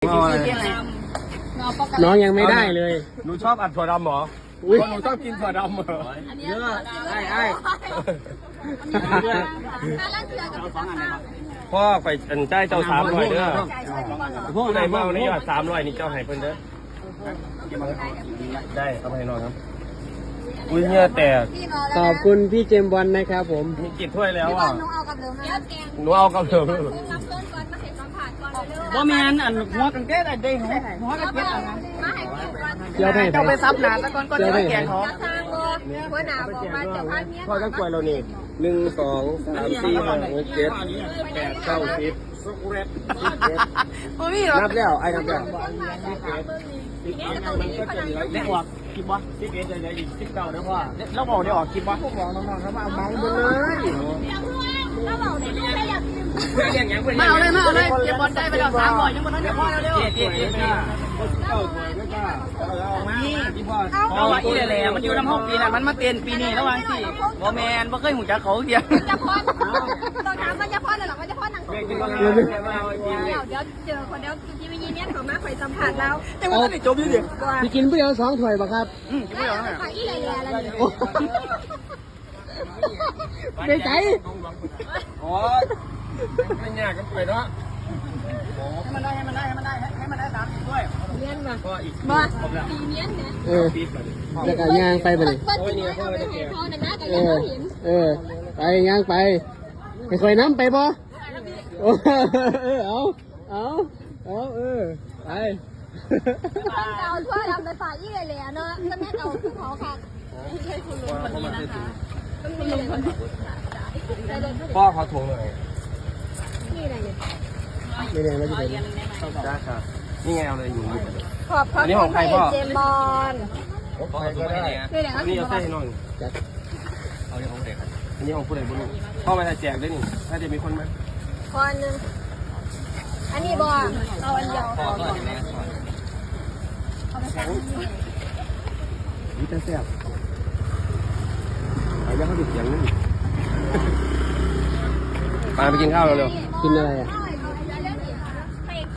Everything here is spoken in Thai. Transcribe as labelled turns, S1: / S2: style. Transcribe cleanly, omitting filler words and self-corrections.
S1: น้องยังไม่ได้เลย
S2: หนูชอบอัดถั่วดำเหรอหนูชอบกินถั่วดำเหรอเยอะไอ้พ่อไปอันใจเจ้า300เด้อพวกไหนเมานี่ยอด300นี่เจ้าให้เพิ่นเด้อได้เอาไปให้น้องครับอุ้ยเนี่ยแต่
S1: ขอบคุณพี่เจมบอลนะครับผม
S2: มีกี่ถ้วยแล้วอ่ะ
S3: หนูเอากับเดิมนะ
S2: หนูเอากับเดิม
S3: รับเพิ่มก่อนมาเห็นตอนผ่านก่อนเร็ว
S4: ว่าแมนอันหัวกันแก้ได้หัวกันแก้อะไร
S3: มาให้เก็บก่อน
S1: เจ้าให้
S4: เจ้าไปซับหนาตะกอนก็จะไปแกงเขา
S3: จะทางบ่หัวหน้าบอกว่าจะพาเมีย
S2: พ่อต้องกล้วยเรานี่1 2 3 4 5 6 7 8 9 10
S4: โอ้พี่เหรอ
S2: นับแล้วไอ้นับแล้ว
S4: ได้ออกคลิปวะ11จะอีก19นะพ่อแล้วบอกได้ออกคลิปวะบอกน้องๆเขามาเอาเมาส์ไปเลย
S3: ถ้าบอกเนี่ยลูกได้อยากกิน
S4: มาเอาเลยเก็บบอลได้ไปแล้ว300ยังบอลนั้นเดี๋ยวพ่อเร็วนี่พี่พ่อเอาอีแหล่มันอยู่น้ำห้องปีนั้นมันมาเต้นปีนี้ระหว่างที่บ่แมนบ่เคยหูจักเขาเดียว
S3: จะพอนต้องถามว่าจะพอนหรือว่าจะพอนหนังเดี๋ยวเจอคนเดียวที่วิญญาณเนี่ยเขามาคอยสัมผัสเรา
S4: แต่ว่าไม่จบอยู่ดิ
S1: พี่กินผู้เดียว2 ถ้วยป่ะครับ
S4: กินไม่หรอก
S3: ขายอีอะไรอะไร
S1: ใจใจ
S2: โอ้ยไม่ยากกันไปเนาะ
S4: ให้มันได้3ด้วย
S3: เลี้ยนมา
S2: ก็อีก
S3: บ่ตีเลี้ยนเนี่ย
S1: แล้วก็ย่างไปบ่นี่
S3: ก็ตีเลี้ยนเอาไปให้เขาเนี่ยนะแต่
S1: เอ
S3: ยัง
S1: อ
S3: ไม่เห็น
S1: ไปย่างไปให้คอยน้ำไปบ่ไป
S3: ต้องเกาทั่วดำไปฝ่ายอีเลยเนาะแล้วแม่เกาคือเขาค่ะไม่ใช่คุณลุงคนนี้นะคะต้องมีเลยคนนี้
S2: พ่อเขาทวงเลย
S3: นี่อะไรเนี่ย
S1: ไม่แน่ว่าจะเป็น
S2: ได้ค่ะนี่ไงเอาเลยอยู่
S3: ขอบพระ
S2: อันนี้ของใครพ่อ
S3: เจมบอล
S2: ใครก็ได้
S3: ด้วยเนี่ย
S2: อันนี้เอาใส่ให้น้องเอาเรื่องของเด็กอันนี้ของผู้ใดผู้หนึ่งพ่อมาแจกด้วยนี่ถ้าจะมีคนไหม
S3: คนหนึ่งอันนี้บอลเอาอันเดียว
S2: นี่แต่แซ่บไอ้ยังเขาดิบอย่างนึงปาไปกินข้าวเร็ว
S1: กินอะไรอ่ะ